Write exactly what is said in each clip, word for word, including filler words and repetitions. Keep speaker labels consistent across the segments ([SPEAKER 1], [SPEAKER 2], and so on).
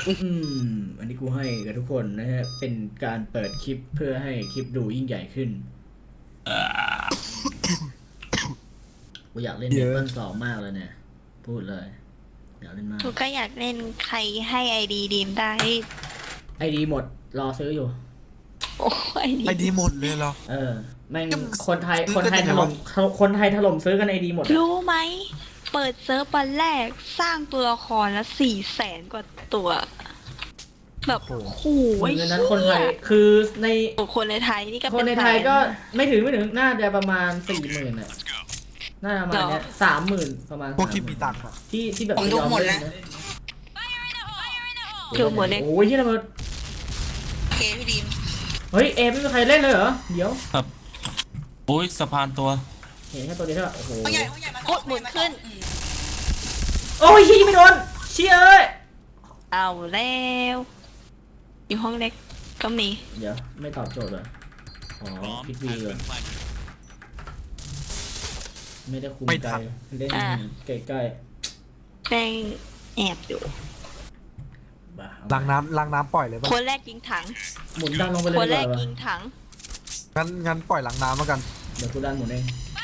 [SPEAKER 1] อืมอันนี้กูให้กับทุกคนนะฮะเป็นการเปิดคลิปเพื่อให้คลิปดูยิ่งใหญ่ขึ้นกูอยากเล่นเมเปิลสองมากเลยเนี่ยพูดเลยอยากเล่นมาก
[SPEAKER 2] กูก็อยากเล่นใครให้ไอดีดีมได้
[SPEAKER 1] ไอดีหมดรอซื้ออยู่
[SPEAKER 2] โอ้ไอดี
[SPEAKER 3] ไอดีหมดเลยเหรอ
[SPEAKER 1] เออแม่งคนไทยคนไทยถล่มคนไทยถล่มซื้อกันไอดีหมด
[SPEAKER 2] รู้ไหมเปิดเซิร์ฟวันแรกสร้างตัวละครละสี่แสนกว่าตัวแบบโอ้โห
[SPEAKER 1] เงินนั้นคนไทยคือใน
[SPEAKER 2] คนในไทยนี่ก็
[SPEAKER 1] คนในไทยก็ไม่ถึงไม่ถึงน่าจะประมาณสี่หมื่นอ่ะน่าจะประมาณเนี้ยสามหมื่นประมาณ
[SPEAKER 3] พวกที่มีตังค์
[SPEAKER 1] ที่ที่แบบ
[SPEAKER 4] ยอมเล่นนะ
[SPEAKER 2] ดูหมดเลย
[SPEAKER 1] โอ้ยที่ระเบิด
[SPEAKER 4] เอพี่ดีม
[SPEAKER 1] เฮ้ยเอไม่มีใครเล่นเลยเหรอเดี๋ยว
[SPEAKER 5] ครับโอ้ยสะพานตัว
[SPEAKER 1] เห็นแค่ตัวเดียวใช่ป่ะโอ้โห
[SPEAKER 4] ใหญ่ใหญ่มา
[SPEAKER 2] หมุนขึ้น
[SPEAKER 1] โอ้ยยิงไม่โดนเชี่ยเอ้ย
[SPEAKER 2] เอาแล้วอยู่ห้องเล็กก็มี
[SPEAKER 1] เดี๋ยวไม่ตอบโจทย์เลยอ๋อคิดวีเลยไม่ได้คุมใจเล่นใกล้
[SPEAKER 2] ๆแป้งแอบอยู่
[SPEAKER 3] ล้างน้ำล้างน้ำปล่อยเลยป่ะ
[SPEAKER 2] คนแรกยิงถัง
[SPEAKER 1] หมุนดันลงไปเลย
[SPEAKER 2] คนแรกยิงถัง
[SPEAKER 3] งั้นงั้นปล่อยล้างน้ำแล้วกัน
[SPEAKER 1] เดี๋ยวกูดันหมุนเอง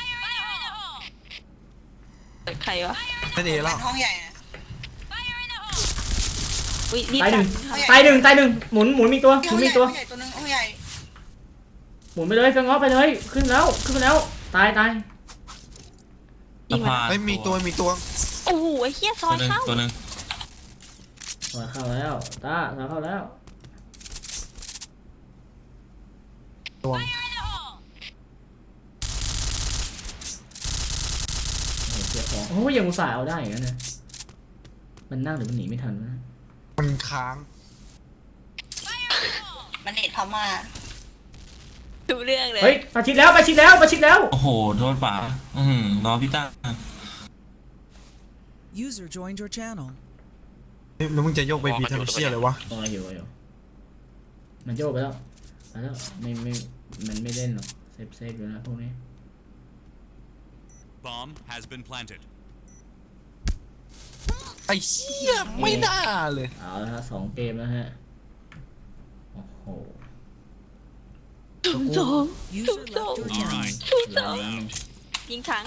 [SPEAKER 2] ใครวะ
[SPEAKER 3] นั่นเองแล้ว
[SPEAKER 4] ห้องใหญ่
[SPEAKER 1] ตายหนึ่งตายหนึ่งตายหนึ่งหมุนหมุนมีตัวหมุนมีตัว
[SPEAKER 4] ตัวนึงห้องใหญ่
[SPEAKER 1] หมุนไปเลยเฟงง้อไปเลยขึ้นแล้วขึ้นไปแล้วตายตาย
[SPEAKER 3] ไม่มีตัวมีตัว
[SPEAKER 2] โอ้โหไอ้เหี้ยซอยเข้า
[SPEAKER 5] ตัวนึง
[SPEAKER 1] ซอยเข้าแล้วตาซอยเข้าแล้ว
[SPEAKER 3] ตัว
[SPEAKER 1] เสียของโอ้ยยังอุตส่าห์เอาได้อย่างนั้นนะมันนั่งหรือมันหนีไม่ทันนะ
[SPEAKER 3] มันค้าง
[SPEAKER 4] มันเน็ตพม่า
[SPEAKER 2] ดูเรื่องเลย
[SPEAKER 1] เฮ้ยประชิดแล้วประชิดแล้วประชิดแล้ว
[SPEAKER 5] โอ้โหโดนป่าอืมรอพี่ต้า
[SPEAKER 6] User joined your channel
[SPEAKER 3] แล้วมึงจะโยกไปพีทำเชี่ยเลยวะ
[SPEAKER 1] อ๋ออยู่อยู่มันโยกไปแล้วไปแล้วไม่ไม่มันไม่เล่นหรอกเซฟเซฟอยู่นะพวกนี้
[SPEAKER 7] Bomb has been planted
[SPEAKER 3] ไอ้เชี่ยไม่น่าเลย
[SPEAKER 1] เอาละฮะสองเกมแล้วฮะโอ้โห
[SPEAKER 2] ทุ่มสองทุ่มสองทุ่มสองยิงถัง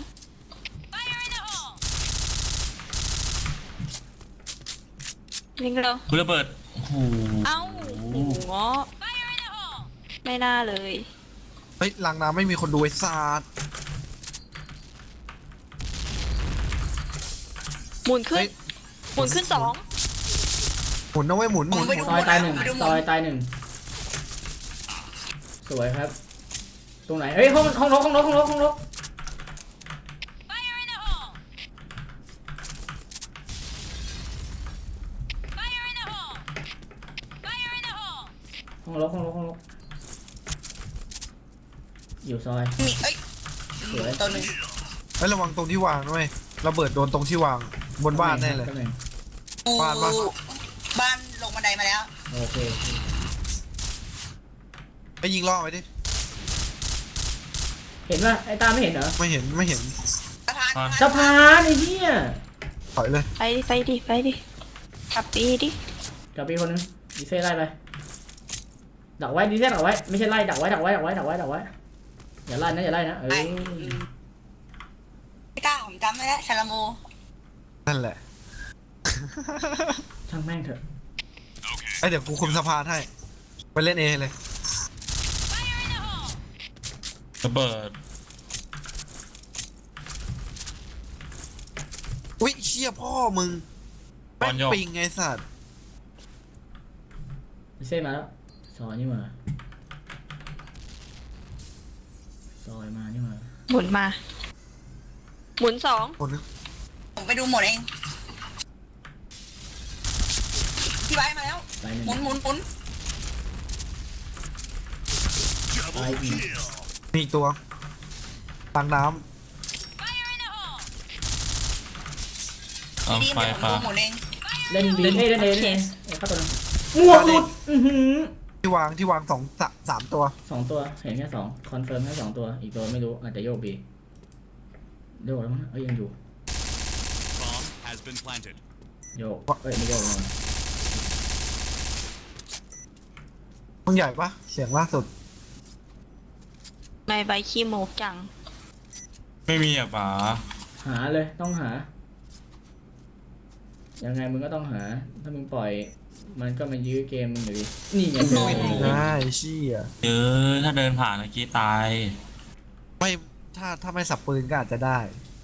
[SPEAKER 2] ยิงเรา
[SPEAKER 5] คุณระเบิดโอ้โห
[SPEAKER 2] เอ้าหัวไม่น่าเลย
[SPEAKER 3] เฮ้ยล้างน้ำไม่มีคนดูไอ้สัตว์
[SPEAKER 2] หมุนขึ้นหมุนขึ้นสอง
[SPEAKER 3] หมุนนะเว้ยหมุนหมุน
[SPEAKER 1] ซอยตายหนึ่งซอยตายหนึ่งสวยครับตรงไหนเฮ้ยห้องห้องนกห้องนกห้องนกห้องนกห้องนกห้องนกห้องนกอยู่ซอย
[SPEAKER 4] มีเอ้ย
[SPEAKER 1] สวย
[SPEAKER 4] ตัวนึง
[SPEAKER 3] เฮ้ยระวังตรงที่วางด้วยระเบิดโดนตรงที่วางบนบ้านแน่เลย
[SPEAKER 4] บ้านบ้านบ้านลงบันไดมาแล้ว
[SPEAKER 1] โอเค
[SPEAKER 3] ไปยิงล่อไปดิ
[SPEAKER 1] เห็นป่ะไอ้ตาไม่เห็นเหรอ
[SPEAKER 3] ไม่เห็นไม่เห็น
[SPEAKER 4] สะพาน
[SPEAKER 1] สะพานไอ้เหี้ย
[SPEAKER 3] ถอยเลย
[SPEAKER 2] ไปดิไปดิไปดิกลับปีดิ
[SPEAKER 1] กลับปีคนนึงดีเซ่ไล่ไปดักไว้ดีเซ่ดักไว้ไม่ใช่ไล่ดักไว้ดักไว้ดักไว้ดักไว้ดักไว้อย่าไล่นะอย่าไล่นะเออ
[SPEAKER 4] ไม่กล้าผมจำไม่ได้ชาลาโม
[SPEAKER 3] นั่นแหละ
[SPEAKER 1] ช่างแม่งเถอะ
[SPEAKER 3] ไอเดี๋ยวกูคุมสะพานให้ไปเล่นเอเลย
[SPEAKER 5] ระเบิด
[SPEAKER 3] อุ้ยเชี่ยพ่อมึงแม่งปิงไงสัตว์
[SPEAKER 1] ดีเซ่มาแล้วซอยนี่มาซอยมานี่มา
[SPEAKER 2] หมุนมาหมุนสอง
[SPEAKER 4] ผมไปดูหมดเองพี่ไว้มาแล้วหมุนหมุนหมุน
[SPEAKER 3] มีตัวตังน้ำ
[SPEAKER 5] เอาไฟฟ้า
[SPEAKER 1] เล่นบีเล่นเล่นเล่นเข้าตัวนึงหมวกหลุด
[SPEAKER 3] ที่วางที่วางสองสามตัว
[SPEAKER 1] สองตัวเห็นแค่สองคอนเฟิร์มแค่สองตัวอีกตัวไม่รู้อาจจะโยกบีโยกแล้วมั้งเอ้ยยังอยู่โยกเอ้ยไม่โยกเลย
[SPEAKER 3] ห้องใหญ่ปะเสียงล่าสุด
[SPEAKER 2] ไม่ใบขี้โมกจัง
[SPEAKER 5] ไม่มีอ่ะป๋า
[SPEAKER 1] หาเลยต้องหา ยังไงมึงก็ต้องหา ถ้ามึงปล่อย มันก็มายื้อเกมมึงอยู่ดีนี่ไงเจอเอง
[SPEAKER 3] ได้เชี่ย
[SPEAKER 5] เออถ้าเดินผ่านเมื่อกี้ตาย
[SPEAKER 3] ไม่ถ้าถ้าไม่สับปืนก็อาจจะได้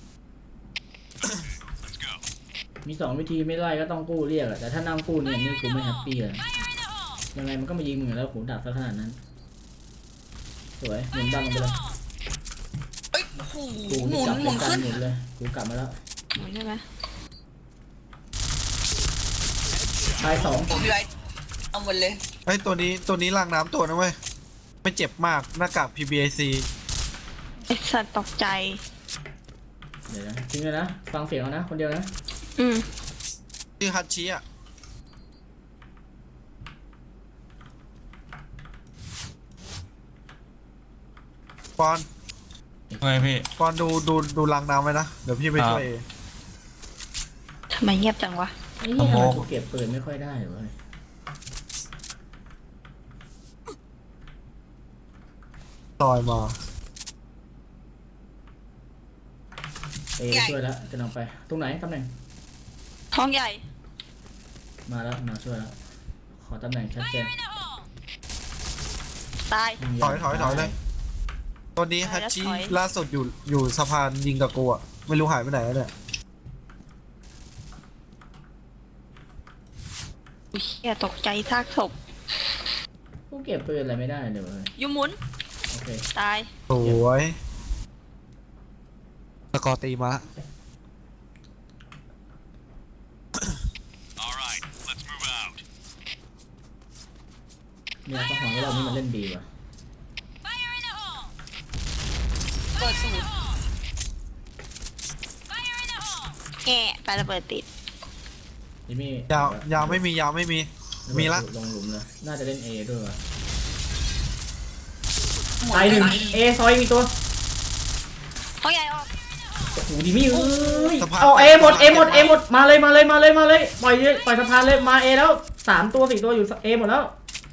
[SPEAKER 1] มีสองวิธีไม่ไล่ก็ต้องกู้เรียกอะแต่ถ้านั่งกู้เนี่ยนี่กูไม่แฮปปี้เลยยังไงมันก็มายิงมึงอยู่แล้วหูดับซะขนาดนั้น สวยหมุนดันลงไปเลย
[SPEAKER 4] เอ้ยโอ้โห
[SPEAKER 1] กู
[SPEAKER 4] หมุน
[SPEAKER 1] จับ
[SPEAKER 4] หมุน
[SPEAKER 1] เป็นการ
[SPEAKER 4] ขึ้น
[SPEAKER 1] หมุนเลยกูกลับมาแล้ว
[SPEAKER 2] หมุนใช่ไหม
[SPEAKER 1] ตายสอง
[SPEAKER 4] ผมพี่ไรเอาหมดเลย
[SPEAKER 3] ไอ้ยตัวนี้ตัวนี้ล้างน้ำตัวนะเว้ยไม่เจ็บมากหน้ากาก พี บี ไอ ซี
[SPEAKER 2] ไอสัตว์ตกใจ
[SPEAKER 1] เดี๋ยวนะจริงเลยนะฟังเสียงเอานะคนเดียวนะ
[SPEAKER 2] อืม
[SPEAKER 3] ชื่อฮัตชิอ่ะปอน
[SPEAKER 5] ไงพี่
[SPEAKER 3] ปอนดูดูดูล้างน้ำไว้นะเดี๋ยวพี่ไปช่วยเอง
[SPEAKER 2] ทำไมเงียบจังวะ
[SPEAKER 1] ไอ้เนี่ยทำไมกูเก็บปืนไม่ค่อยได้เลย
[SPEAKER 3] ต่อยมา
[SPEAKER 1] เอช่วยแล้วจะนำไปตรงไหนตำแหน่ง
[SPEAKER 2] ห้องใหญ่
[SPEAKER 1] มาแล้วมาช่วยแล้วขอตำแหน่งชัดเจน
[SPEAKER 2] ตาย
[SPEAKER 3] ถอยถอยถอยเลยตัวนี้ฮัตชิ
[SPEAKER 2] ถอย
[SPEAKER 3] ล่าสุดอยู่อยู่สะพานยิงกับกูอ่ะไม่รู้หายไปไหนแล้วเนี่ย
[SPEAKER 2] อุ๊ยเหี้ยตกใจซากศพ
[SPEAKER 1] กูเก็บปืนอะไรไม่ได้เลยเว้ย
[SPEAKER 2] ยูหมุน
[SPEAKER 1] โอเค
[SPEAKER 2] ตาย
[SPEAKER 3] สวยสกอร์ตีมาละ
[SPEAKER 1] เนี่ยต้องหวังว่าเรานี่มันเล่นบีว่ะ
[SPEAKER 4] เปิดสูตร
[SPEAKER 2] แง่ไประเบิดติด
[SPEAKER 1] จิมมี่
[SPEAKER 3] ยาวยาวไม่มียาวไม่มีมีละ
[SPEAKER 1] ลงหลุมเลยน่าจะเล่นเอด้วยว่ะ
[SPEAKER 4] หมด
[SPEAKER 1] ตายหนึ่ง
[SPEAKER 4] ไป
[SPEAKER 1] เอซอยมีตัว
[SPEAKER 2] ห้องใหญ่ออก
[SPEAKER 1] โอ้โหดิมี่เอ้ย
[SPEAKER 3] สะพาน
[SPEAKER 1] เอาเอหมดเอหมดเอหมดมาเลยมาเลยมาเลยมาเลยปล่อยเลยปล่อยสะพานเลยมาเอแล้วสามตัวสี่ตัวอยู่เอหมดแล้ว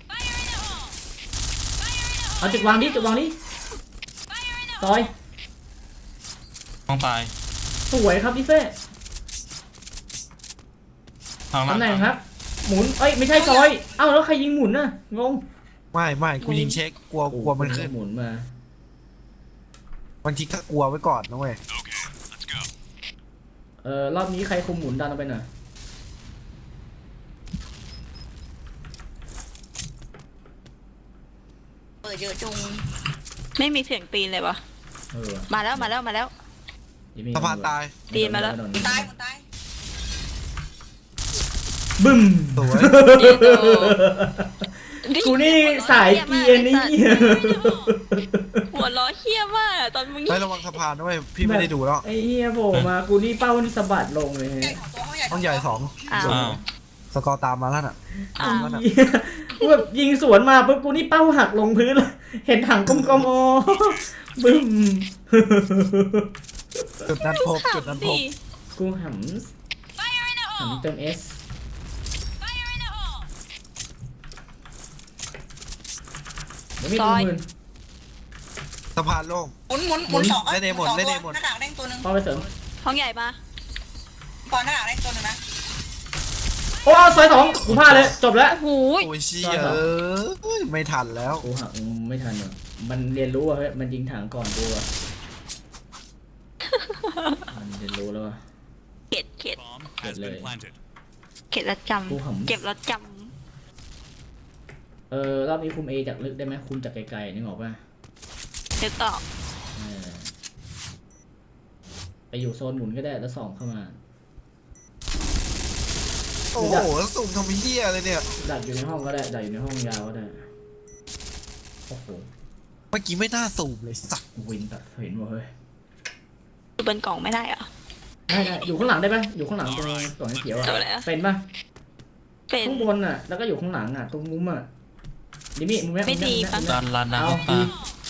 [SPEAKER 1] เอาจุดวางดิจุดวางดิซอย
[SPEAKER 5] ต้องตาย
[SPEAKER 1] สวยครับดิเซ่
[SPEAKER 5] ทางล่าง
[SPEAKER 1] ตำแหน่งครับ หมุนเอ้ยไม่ใช่ซอยเอ้าแล้วใครยิงหมุนน่ะงง
[SPEAKER 3] ไม่ไม่กูยิงเช็คกลัวกลัวมันขึ้น
[SPEAKER 1] หมุนมา
[SPEAKER 3] บางทีก็กลัวไว้ก่อนนะเว้ย
[SPEAKER 1] เออรอบนี้ใครคุมหมุนดันเอาไปหน่อย
[SPEAKER 4] เปิดเยอะจุง
[SPEAKER 2] ไม่มีเสียงตีนเลยวะ
[SPEAKER 1] เออ
[SPEAKER 2] มาแล้วมาแล้วมาแล้ว
[SPEAKER 1] จิมมี่
[SPEAKER 3] สะพานตาย
[SPEAKER 2] ตีนมาแล้ว
[SPEAKER 1] ไโดน
[SPEAKER 4] ตายหมดตาย
[SPEAKER 1] บึ้ม
[SPEAKER 3] สวย
[SPEAKER 1] กูนี่สายเกียร์นี่
[SPEAKER 2] หัวล้อเฮี้ยมากอะตอนมึง
[SPEAKER 3] เฮ้ยระวังสะพานด้วยพี่ไม่ได้ดูแล้ว
[SPEAKER 1] ไอ้เหี้ยโผล่มากูนี่เป้านี่สะบัดลงเลย
[SPEAKER 4] ใหญ่ของตัวห้องใหญ่
[SPEAKER 3] ห้องใหญ่สอง
[SPEAKER 2] อ้าว
[SPEAKER 5] อ้าว
[SPEAKER 3] สกอร์ตามมาแล้วน่ะ
[SPEAKER 2] อ้าว
[SPEAKER 1] เหี้ยกูแบบยิงสวนมาปุ๊บกูนี่เป้าหักลงพื้นเลยเห็นถังกลมๆอ๋อบึ้ม
[SPEAKER 3] จุดนั้นพบจุดนั้นพบ
[SPEAKER 2] ดิ
[SPEAKER 1] กูหำหำเติมเอสเดี๋ยวมีตัวมืน
[SPEAKER 3] สะพานโล่ง
[SPEAKER 4] หมุนหมุนหมุนสอง
[SPEAKER 3] เล่นเองหมด
[SPEAKER 4] สอง
[SPEAKER 3] เล่นเองหมด
[SPEAKER 4] หน้าต่างแดงตัวหนึ่ง
[SPEAKER 1] เข้าไปเสริม
[SPEAKER 2] ห้องใหญ่มา
[SPEAKER 4] ก่อนหน้าต่างแดงตัวหนึ่งนะ
[SPEAKER 1] โอ้ซอยสองกูพลาดเลยจบแล้ว
[SPEAKER 2] โอ้โหย
[SPEAKER 3] โอ้ยเชี่ยเอ้ยไม่ทันแล้ว
[SPEAKER 1] กูหักไม่ทันอ่ะมันเรียนรู้อ่ะเฮ้ยมันยิงถังก่อนกูอ่ะมันเรียนรู้แล้วอ่ะ
[SPEAKER 2] เข็ดเข็ด
[SPEAKER 1] เกิดเลย
[SPEAKER 2] เข็ดแล้วจ
[SPEAKER 1] กูหำ
[SPEAKER 2] ำเก็บแล้วจ
[SPEAKER 1] เออรอบนี้คุมเอจากลึกได้ไหมคุมจากไกลๆนึกออกป่ะ
[SPEAKER 2] ำนึกออก
[SPEAKER 1] เออไปอยู่โซนหมุนก็ได้แล้วส่องเข้ามา
[SPEAKER 3] โอ้โหแล้วสุ่มทำเหี้ยเลยเนี่ย
[SPEAKER 1] ดักอยู่ในห้องก็ได้ดักอยู่ในห้องยาวก็ได้โอ้โห
[SPEAKER 3] เมื่อกี้ไม่น่าสุ่มเลยสัก
[SPEAKER 1] วินตัดเห็นว่ะเฮ้ย
[SPEAKER 2] อยู่บนกล่องไม่ได้เหรอ
[SPEAKER 1] ได้ได้อยู่ข้างหลังได้ปะอยู่ข้างหลังตรงกล่องเขียวอ่ะ
[SPEAKER 2] ตัวอะไรอะ
[SPEAKER 1] เป็นปะ
[SPEAKER 2] เป็น
[SPEAKER 1] ข้างบนอ่ะแล้วก็อยู่ข้างหลังอ่ะตรงมุมอ่ะดิมี่มุมเนี้ย
[SPEAKER 2] ไม่ดี
[SPEAKER 1] มุมเนี้ย
[SPEAKER 5] ดันลาน
[SPEAKER 1] เอา
[SPEAKER 5] น้ำป
[SPEAKER 1] ดี
[SPEAKER 5] ลา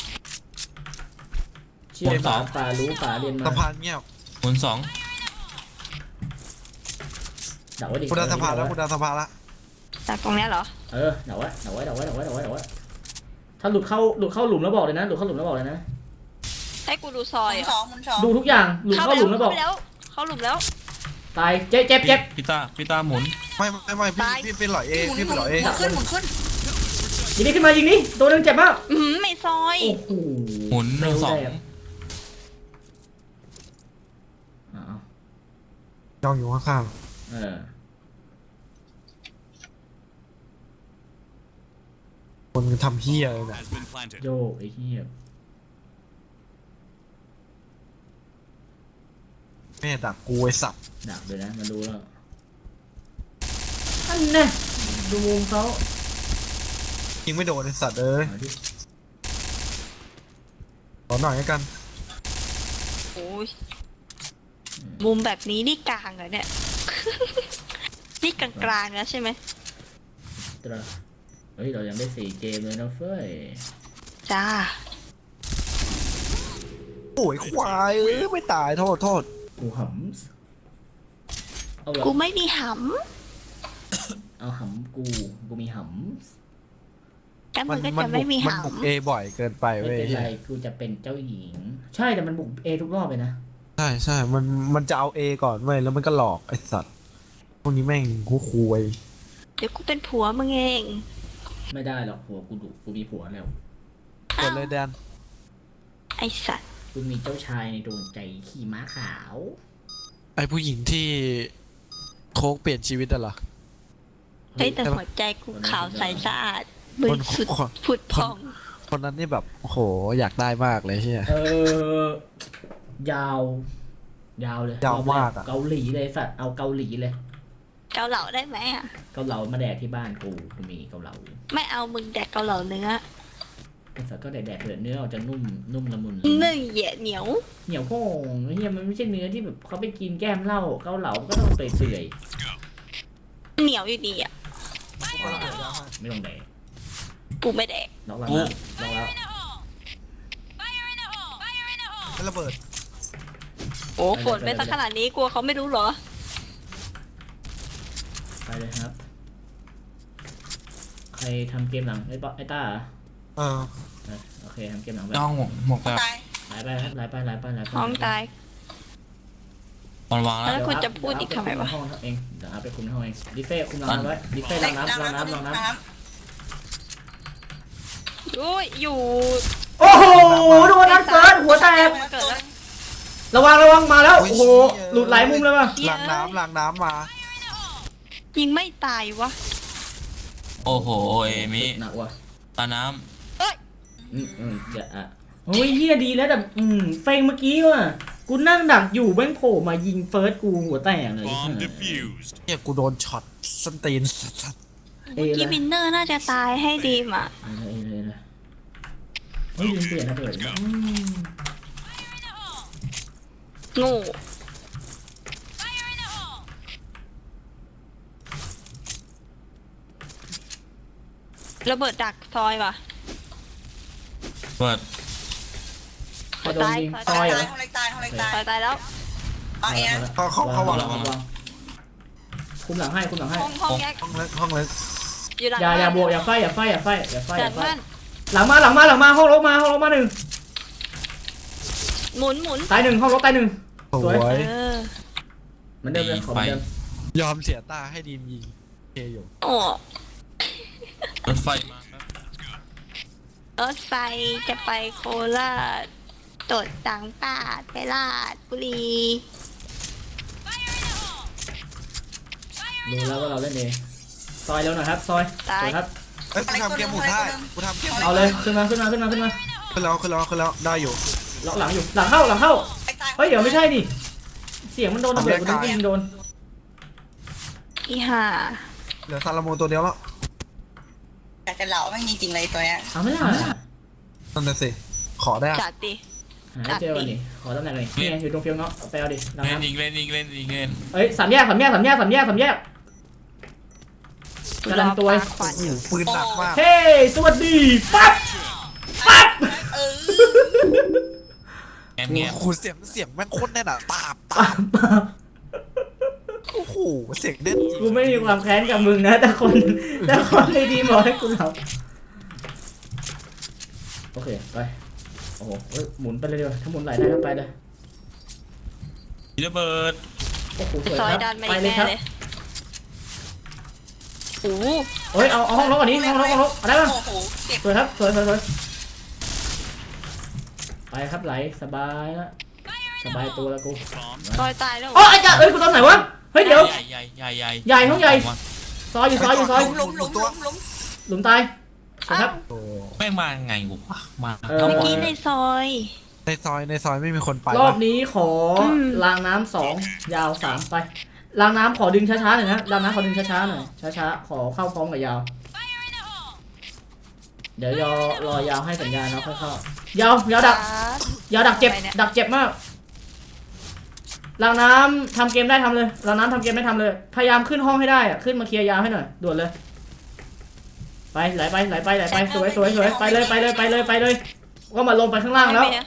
[SPEAKER 1] เชี่ย
[SPEAKER 5] บนส
[SPEAKER 1] ป่า
[SPEAKER 5] อง
[SPEAKER 1] ป่ารู้ป่าเรียนมา
[SPEAKER 3] สะพานเงียบ
[SPEAKER 5] หมุนสอง
[SPEAKER 1] ดักไว้ดิ
[SPEAKER 3] คุณดันสะพานแล้วคุณดันสะพานละ
[SPEAKER 2] จากตรงเนี้ยเหรอ
[SPEAKER 1] เออเดาไว้เดาไว้เดาไว้เดาไว้เดาไว้เดาไว้ถ้าหลุดเข้าหลุดเข้าหลุมแล้วบอกเลยนะหลุดเข้าหลุมแล้วบอกเลยนะ
[SPEAKER 2] ให้กูดูซ
[SPEAKER 4] ห
[SPEAKER 2] อย
[SPEAKER 4] มุน
[SPEAKER 2] เหร
[SPEAKER 4] ส
[SPEAKER 2] อ
[SPEAKER 4] องหมุนสอง
[SPEAKER 1] ดูทุกอย่างหลุดเข้าหลุมแล้วบอก
[SPEAKER 2] เข้าไปแล้วเข้าหลุมแล้ว
[SPEAKER 1] ตายเจ็บเจ็บเจ็บ
[SPEAKER 5] พี่ตาพี่ตาหมุน
[SPEAKER 3] ไม่ไม่ไม่พี่
[SPEAKER 2] ตาย
[SPEAKER 3] พี่เป็นหลอยเอ
[SPEAKER 4] หมุน
[SPEAKER 3] พี่
[SPEAKER 4] ห
[SPEAKER 3] เป็นหลอยเอ
[SPEAKER 4] มุนขึ้นหมุนขึ้น
[SPEAKER 1] ยิงนี่ขึ้นมายิงนี่ตัวหนึงเจ็บมาก
[SPEAKER 2] อือหือไม่ซอย
[SPEAKER 1] โอ้โห
[SPEAKER 5] หมุนหนึ่งสอง
[SPEAKER 1] อ้าว
[SPEAKER 3] ย่องอยู่ข้าง
[SPEAKER 1] เออ
[SPEAKER 3] ๆคนทำเฮียเลยเนี่ย
[SPEAKER 6] has been planted.
[SPEAKER 1] โยกไอ้เหี้ย
[SPEAKER 3] แม่ดักกูไอ้สับ
[SPEAKER 1] ดักเลยนะมาดูแล้วอันน่ะดูมุมเขา
[SPEAKER 3] ยิงไม่โดนไอ้สัตว์เอ้ย
[SPEAKER 1] เอาดิ
[SPEAKER 3] ขอหน่อยแล้วกัน
[SPEAKER 2] โอ้ยมุมแบบนี้นี่กลางเหรอเนี่ย นี่กลางๆแล้วใช่ไหม
[SPEAKER 1] ตราเฮ้ยเรายังได้สี่เกมเลยนะเฟ้ย
[SPEAKER 2] จ้า
[SPEAKER 3] โอ้ยควายเอ้ยไม่ตายโทษโทษ
[SPEAKER 1] กูหำเอาละ
[SPEAKER 2] กูไม่มีห
[SPEAKER 1] เอาหำกูกูมีห
[SPEAKER 2] ำแต่มึ
[SPEAKER 3] มัน
[SPEAKER 2] งก็
[SPEAKER 3] มัน
[SPEAKER 2] จะ
[SPEAKER 3] บุ
[SPEAKER 2] ไม่
[SPEAKER 3] ก
[SPEAKER 2] มี
[SPEAKER 3] มันบุก
[SPEAKER 2] หำ
[SPEAKER 3] เอบ่อยเกินไป
[SPEAKER 1] ำไม่
[SPEAKER 3] เว้ย
[SPEAKER 1] เป็นไรกูจะเป็นเจ้าหญิง ใช่แต่มันบุกเอทุกรอบเลยนะ
[SPEAKER 3] ใช่ใช่มันมันจะเอาเอก่อนเว้ยแล้วมันก็หลอกไอ้สัตว์พวกนี้แม่งกูคุย
[SPEAKER 2] เดี๋ยวกูเป็นผัวมึงเอง
[SPEAKER 1] ไม่ได้หรอกผัวกูดุกูมีผัวแล้ว
[SPEAKER 3] กดเลยแดน
[SPEAKER 2] ไอสัตว์
[SPEAKER 1] กูมีเจ้าชายในดวงใจขี่ม้าขาว
[SPEAKER 3] ไอ้ผู้หญิงที่โค้กเปลี่ยนชีวิตอะเหรอ
[SPEAKER 2] เฮ้ยแต่หัวใจกูขาวใสสะอาดบริสุทธิ์
[SPEAKER 3] คน
[SPEAKER 2] ผุดผ่อง
[SPEAKER 3] คนนั้นนี่แบบโอ้โหอยากได้มากเลยเฮีย
[SPEAKER 1] เออยาว ยาวเลย
[SPEAKER 3] ยาวมากอะ
[SPEAKER 1] เกาหลีเลยสัตว์เอาเกาหลีเลย
[SPEAKER 2] เกาเหลาได้ไหมอ่ะ
[SPEAKER 1] เกาเหลามาแดกที่บ้านกูกูมีเกาเหลา
[SPEAKER 2] ไม่เอามึงแดกเกาเหลาเนื้อ
[SPEAKER 1] ไอ้สัตว์ก็แดกๆเถอะเนื้อออกจะนุ่มนุ่มละมุน
[SPEAKER 2] เนื้อเหยียดเหนียว
[SPEAKER 1] เหนียวโค้งเฮียมันไม่ใช่เนื้อที่แบบเขาไปกินแก้มเหล้าเกาเหลาก็ต้องเปื่อย
[SPEAKER 2] เหนียวอยู่ดีอ่ะ
[SPEAKER 1] ๆไม่ต้องแดก
[SPEAKER 2] กูไม่แดก
[SPEAKER 1] ล็อกหลังแล้วล็อกแล้ว
[SPEAKER 3] ให้ระเบิด
[SPEAKER 2] โอ้ฝนไปสักขนาดนี้กลัวเขาไม่รู้เหรอ
[SPEAKER 1] ไปเลยครับ ใครทำเกมหลังไอ้ป๊อไอ้ต้าเหรอ
[SPEAKER 3] เออ
[SPEAKER 1] เออโอเคทำเกมหลังไป
[SPEAKER 5] น้องหมกหมกแบบ
[SPEAKER 4] ตาย
[SPEAKER 1] ไหลไปครับไหลไปไหลไปไหลไป
[SPEAKER 2] ท้องตาย
[SPEAKER 5] มันวางแล้ว
[SPEAKER 2] แล้วคุณจะพูดอีกทำไมวะ
[SPEAKER 1] เดี๋ยเอาไปคุในห้องเองเดี๋ยวเอาไปคุมในห้องเองดิเฟ่คุมหลังน้ำไว้ดิเฟ่ลองน้ำลองน้ำลองน้
[SPEAKER 2] อุ้ยอยู่
[SPEAKER 1] ำโอ้โหโดนนัดเฟิร์สหัวแตก
[SPEAKER 2] มาเกิดแล้ว
[SPEAKER 1] ระวังระวังมาแล้ว
[SPEAKER 3] โอ้ย
[SPEAKER 1] โอ้โห
[SPEAKER 3] เชี่ย
[SPEAKER 1] หลุดหลายมุมเลยว่ะ
[SPEAKER 3] หลังน้ำหลังน้ำมา
[SPEAKER 2] ยิงไม่ตายวะ
[SPEAKER 5] โอ้โหเอมิ
[SPEAKER 1] หนักว่ะ
[SPEAKER 5] ตาน้
[SPEAKER 1] อืมอืมจะอ่ะโอ้ยเฮียดีแล้วแต่อืมเฟงเมื่อกี้ว่ะกูนั่งดักอยู่แม่งโผล่มายิงเฟิร์สกูหัวแตกเลย
[SPEAKER 6] Bomb defused.
[SPEAKER 3] เนี่ยกูโดนช็อตส้นตีนสัตว์
[SPEAKER 1] เอยเล
[SPEAKER 2] ที่
[SPEAKER 1] ย
[SPEAKER 2] วินเนอร์น่าจะตายให้ดีมอ่ะ
[SPEAKER 1] เอยเลยเอยเลยเฮ้ยลืมเปลี่ยนระเบิดอืม
[SPEAKER 2] โง่ระเบิดดักซอยว่ะ
[SPEAKER 5] ำเปิด
[SPEAKER 1] ใครโดนยิงซ
[SPEAKER 4] ตา
[SPEAKER 1] อย
[SPEAKER 4] ย
[SPEAKER 1] เหรอ
[SPEAKER 4] ห้องเล็กตายห้องเล็กตาย
[SPEAKER 2] ซอยตายแล้ว
[SPEAKER 4] เอาเองนะ
[SPEAKER 3] เขาเขาเขาวาง
[SPEAKER 1] วางคุมหลังให้คุมหลังให้
[SPEAKER 2] ห้องห้องแยก
[SPEAKER 3] ห้องเล็กห้องเล็ก
[SPEAKER 2] อยู่หลัง
[SPEAKER 1] อย่าอย่า
[SPEAKER 2] บ้น
[SPEAKER 1] บวกอย่าไฟอย่าไฟอย่าไฟอย่าไฟอ
[SPEAKER 2] จั
[SPEAKER 1] ย่า
[SPEAKER 2] ด
[SPEAKER 1] ไฟ
[SPEAKER 2] บ้าน
[SPEAKER 1] หลังมาหลังมาหลังมาห้องรถมาห้องรถมาหนึ่ง
[SPEAKER 2] หมุนหมุน
[SPEAKER 1] ตายหนึ่งห้องรถตายหนึ่ง
[SPEAKER 3] ส
[SPEAKER 1] ส
[SPEAKER 3] ว
[SPEAKER 1] วย
[SPEAKER 3] ย
[SPEAKER 2] เออ
[SPEAKER 1] เหมือนเดิมเลยขอเหมือนเดิม
[SPEAKER 3] ยอมเสียตาให้ดีมยิงเคอยู่
[SPEAKER 2] โอ้
[SPEAKER 5] รถไฟมาครับ
[SPEAKER 2] รถไฟจะไปโคราชตดต่างปาดไปลาดบุรี
[SPEAKER 1] ดูแล้วว่าเราเล่นเองซอยเร็วหน่อยครับซอยสวยครับ
[SPEAKER 3] เอ้ยกูทำเกมหมุนได้กูทำเกม
[SPEAKER 1] เอาเลยขึ้นมาขึ้นมาขึ้นมาขึ้นมา
[SPEAKER 3] ขึ้นแล้วขึ้นแล้วขึ้นแล้วได้อยู่
[SPEAKER 1] ล็อกหลังอยู่หลังเข้าหลังเข้า
[SPEAKER 4] ไอ้ตาย
[SPEAKER 1] เฮ้ยเดี๋ยวไม่ใช่ดิเสียงมันโดนระเบิดกูนึกว่ายิงโดน
[SPEAKER 2] อีห่า
[SPEAKER 3] เหลือซาลาโมนตัวเดียวแล้ว
[SPEAKER 4] อยากจะเหล่าแม่งจริงๆเลยตัวเนี้ย
[SPEAKER 1] เอาไม่ได้
[SPEAKER 3] นั่นน่ะสิขอได้อะ
[SPEAKER 2] จัดดิ
[SPEAKER 1] หาเจอวันนี้ขอตำแหน่งหน่อยนี่ไงอยู่ตรงเฟียงเนาะไปเอาดิหลัง
[SPEAKER 5] เล่น
[SPEAKER 1] น้ำ
[SPEAKER 5] อีกเล่นอีกเล่นอีกเล่น
[SPEAKER 1] เอ้ยสามแยกสามแยกสามแยกสามแยกสามแยก กำลังตัว
[SPEAKER 2] รอปาขวานอยู่
[SPEAKER 3] ปืนหนักมาก
[SPEAKER 1] เฮ้สวัสดีปั๊บปั๊บ
[SPEAKER 4] เออ
[SPEAKER 5] แง้มแง้ม
[SPEAKER 3] โอ้โหเสียงเสียงแม่งโคตรแน่นอะตาบตา
[SPEAKER 1] ปั๊
[SPEAKER 3] บบ
[SPEAKER 1] ปั๊บ
[SPEAKER 3] โอ้โหเสียงเด่นจริง
[SPEAKER 1] กูไม่มีความแค้นกับมึงนะแต่คนแต่คนในทีมบอกให้กูหลับโอเคไปโอ้โหเอ้ยหมุนไปเลยดีกว่าถ้าหมุนไหลได้ก็ไปเลย
[SPEAKER 5] มีระเบิด
[SPEAKER 1] โอ้โหสวย
[SPEAKER 2] ซอย
[SPEAKER 1] ครับ
[SPEAKER 2] ดันมา
[SPEAKER 1] ไป
[SPEAKER 2] อีก
[SPEAKER 1] เลยครับ
[SPEAKER 2] แน่เลยโอ้โห
[SPEAKER 1] เฮ้ยเอาเอาห้องล็อกก่อนนี้ห้องล็อกห้องล็อกเอาได้ป่ะ
[SPEAKER 4] โอ้โหเจ็บ
[SPEAKER 1] สวยครับสวยสวยสวยไปครับไหลสบายแล้วสบายตัวแล้วกู
[SPEAKER 2] ซอยตายแล้ว
[SPEAKER 1] อ๋อไอ้จ้าเอ้ยกูตอนไหนวะเฮ้ยเดี๋ยว
[SPEAKER 5] ใหญ่ใหญ่ใหญ่ใหญ่
[SPEAKER 1] ใหญ่ห้องใหญ่ ซอยอยู่ซอยอยู่ซอย
[SPEAKER 4] หลุมหลุมหลุมหลุม
[SPEAKER 1] หลุมตายสวยครับ
[SPEAKER 3] โอ้
[SPEAKER 5] แม่งมาไงวะมา
[SPEAKER 1] เออ
[SPEAKER 2] เมื่อกี้ในซอย
[SPEAKER 3] ในซอยในซอยไม่มีคนไป
[SPEAKER 1] รอบ
[SPEAKER 3] วะ
[SPEAKER 1] นี้ขออ
[SPEAKER 2] ม
[SPEAKER 1] รางน้ำสองยาวสามไปรางน้ำขอดึงช้าๆหน่อยนะรางน้ำขอดึงช้าๆหน่อยช้าๆขอเข้าพร้อมกับยาว เดี๋ยวยอรอยาวให้สัญญาณแล้วค่อยเข้ายาวยาวดักยาวดักเจ็บ
[SPEAKER 2] ไปนี่ย
[SPEAKER 1] ดักเจ็บมากรางน้ำทำเกมได้ทำเลยรางน้ำทำเกมได้ทำเลย พยายามขึ้นห้องให้ได้อะขึ้นมาเคลียร์ยาวให้หน่อยด่วนเลย ไปไหลไปไหลไปไหลไปสวยสวยสวยไปเลยไปเลยไปเลยไปเลยก็มาลงไปข้างล่างแล้ว
[SPEAKER 2] ไม่เนี่ย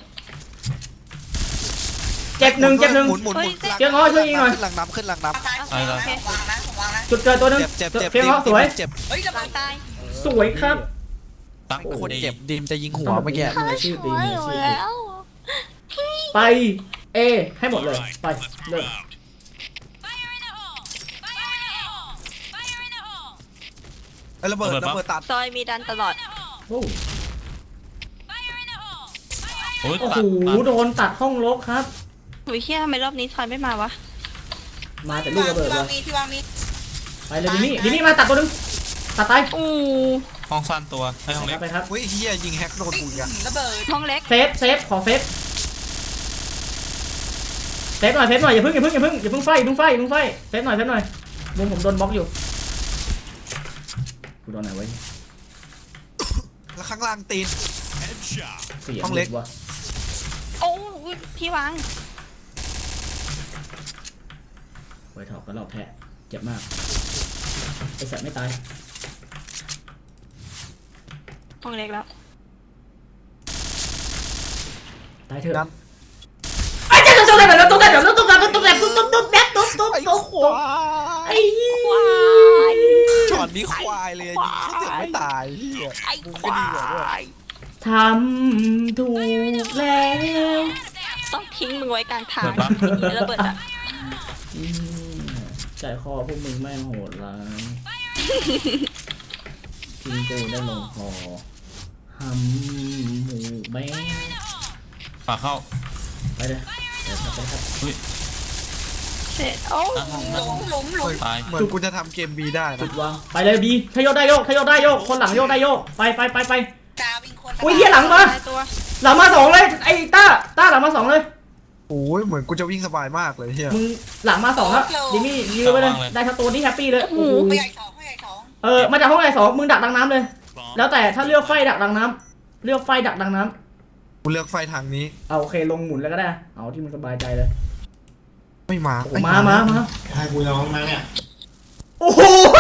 [SPEAKER 1] เจ็บหนึ่งเจ็บหนึ่ง
[SPEAKER 3] หมุนหมุนหมุน
[SPEAKER 1] เจ๊ง้อช่วยยิงหน่อย
[SPEAKER 3] ขึ้นหลังน้ำขึ้นหลังน้
[SPEAKER 4] ตายตายวางนะวางนะ
[SPEAKER 1] จุดเกิดตัวหนึง
[SPEAKER 3] ำเจ็บเจ็บเจ็บ
[SPEAKER 1] เฟี้ยงเหรอสวย
[SPEAKER 3] เจ็บ
[SPEAKER 4] เฮ้ยระ
[SPEAKER 2] หลั
[SPEAKER 4] เบิ
[SPEAKER 2] ง
[SPEAKER 4] ด
[SPEAKER 2] ตาย
[SPEAKER 1] สวยครับ
[SPEAKER 5] ตั้ง
[SPEAKER 1] โอ้โห
[SPEAKER 3] คนเจ็บดิมจะยิงหัวเมื่อกี้
[SPEAKER 1] มืออาชีพดีมืออาชีพดี
[SPEAKER 2] แล้ว
[SPEAKER 1] ไปเอให้หมดเลยไปเริ่ม
[SPEAKER 3] ไอ้ระเบิดระเบิดตัด
[SPEAKER 2] ซอยมีดันตลอด
[SPEAKER 1] โอ้
[SPEAKER 5] โอ้ย
[SPEAKER 1] โอ้
[SPEAKER 5] ตั
[SPEAKER 1] โห
[SPEAKER 5] ดตัด
[SPEAKER 1] โดนตัดห้องลบครับ
[SPEAKER 2] หุยเชี่ยทำไมรอบนี้ซอยไม่มาวะ
[SPEAKER 1] มาแต่ลูกระเบิด
[SPEAKER 4] ที่
[SPEAKER 1] เล
[SPEAKER 4] วาง
[SPEAKER 1] ย
[SPEAKER 4] มีที่วางมี
[SPEAKER 1] ไปเลยดินี่ดินี่มาตัดตัวหนึงตัดตาย
[SPEAKER 2] อู้
[SPEAKER 5] ห้องสั้นตัวให้ห้อง
[SPEAKER 1] ไป
[SPEAKER 5] เล็
[SPEAKER 1] ค
[SPEAKER 5] ก
[SPEAKER 1] รับไปครับ
[SPEAKER 3] เฮ้ยเฮียยิงแฮกโดนกูอีกอะ
[SPEAKER 4] ระเบิด
[SPEAKER 2] ห้องเล็ก
[SPEAKER 1] เซฟเซฟขอเซฟเซฟหน่อยเซฟหน่อยอย่าเพิ่งอย่าเพิ่งอย่าเพิ่งอย่าเพิ่งไฟอย่าเพิ่งไฟอย่าเพิ่งไฟเซฟหน่อยเซฟหน่อยมุมผมโดนบล็อกอยู่กูโดนไหนไว้
[SPEAKER 3] แล้วข้างล่างตีน
[SPEAKER 1] เสียง
[SPEAKER 3] ห้องเล็ก
[SPEAKER 1] วะ
[SPEAKER 2] โอ้ยที่วาง
[SPEAKER 1] ไว้ถอกก็รอบแพ้เจ็บมากไอสัตว์ไม่ตาย
[SPEAKER 2] ห้องเล็กแล้ว
[SPEAKER 1] ตายเถอะ
[SPEAKER 3] นั้น
[SPEAKER 1] ไอ้เจ้าตุ๊กแกแบบตุ๊กแกแบบตุ๊กแกแบบตุ๊กแกแบบตุ๊กตุ๊กตุ๊กแบบตุ๊กตุ๊ก
[SPEAKER 3] ไอ้
[SPEAKER 1] ตุ๊ก
[SPEAKER 3] ควาย
[SPEAKER 1] ไอ้เหี้ย
[SPEAKER 2] ควาย
[SPEAKER 3] ช็อตนี้ควายเลยยิงเขาเสียไม่ตายเฮีย
[SPEAKER 2] ไอ้
[SPEAKER 3] มึง
[SPEAKER 2] ค
[SPEAKER 3] ก็
[SPEAKER 2] วา
[SPEAKER 3] ดีกว่าด้วย
[SPEAKER 2] ย
[SPEAKER 1] ทำถูกแล้ว
[SPEAKER 2] ต้องทิ้งมึงไว้กลางทาง
[SPEAKER 5] เปิดปั๊บ
[SPEAKER 2] อย่างนี้ระเบิดอ่ะ
[SPEAKER 1] อืมใจคอพวกมึงแม่งโหดร้ายทิ้งกูได้ลงคอหำหมูแม่ง
[SPEAKER 5] ฝากเข้า
[SPEAKER 1] ไปเลยไปครับไปครับ
[SPEAKER 2] เสร็จโอ้
[SPEAKER 5] ตั้งห้อง
[SPEAKER 4] ห
[SPEAKER 5] ตั้ง
[SPEAKER 4] ลุ
[SPEAKER 5] ห้อ
[SPEAKER 4] ม
[SPEAKER 5] ง
[SPEAKER 4] หลุมหลุม
[SPEAKER 5] ตาย
[SPEAKER 3] เหมือนกูจะทำเกมบีได้
[SPEAKER 1] จุ
[SPEAKER 3] นะ
[SPEAKER 1] ดวางไปเลยบีถ้าโยกได้โยกถ้าโยกได้โยกคนหลังโยกได้โยกไปไปไปไป
[SPEAKER 4] จาวิงคน
[SPEAKER 1] อุ้ยเหี้ยหลังมา
[SPEAKER 2] ตายตัว
[SPEAKER 1] หลังมาสองเลยไอ้ต้าต้าหลังมาสองเลย
[SPEAKER 3] โอ้ยเหมือนกูจะวิ่งสบายมากเลยเฮีย
[SPEAKER 1] มึงหลังมาสองครับดิมี่ยืนไปเลยได้ทั้งตัวนี่แฮปปี้เลยโอ้โห
[SPEAKER 4] ไม่ใหญ่สองไม่ใหญ่สอง
[SPEAKER 1] เออมาจากห้องไหนสองมึงดักดังน้ำเลย แล้วแต่ถ้าเลือกไฟดักดังน้ำเลือกไฟดักดังน้ำ
[SPEAKER 3] กูเลือกไฟทางนี้
[SPEAKER 1] เอาโอเคลงหมุนแล้วก็ได้เอาที่มึงสบายใจเลย
[SPEAKER 3] ไม่มา
[SPEAKER 1] โอ้มามามา
[SPEAKER 6] ให้กูร้องไหมเนี่ย
[SPEAKER 1] โอ้โห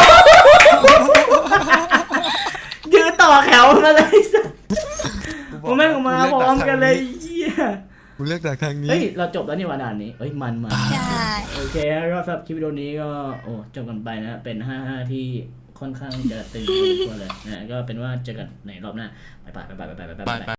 [SPEAKER 1] ยืนต่อแถวมาเลยสัสผมแม่งมาพร้อมกันเลยเหี้ย
[SPEAKER 3] กูเลือกจากทางนี้
[SPEAKER 1] เฮ้ยเราจบแล้วนี่วันด่านนี้เฮ้ยมันมัน
[SPEAKER 2] ใช่
[SPEAKER 1] โอเคก็สำหรับคลิปวิดีโอนี้ก็โอ้จบกันไปนะเป็นห้าห้าที่ค่อนข้างจะตึงพอสมควรเลยนะก็เป็นว่าเจอกันในรอบหน้าไปไปไปไปไปไป
[SPEAKER 5] ไป
[SPEAKER 1] ไป
[SPEAKER 5] ไป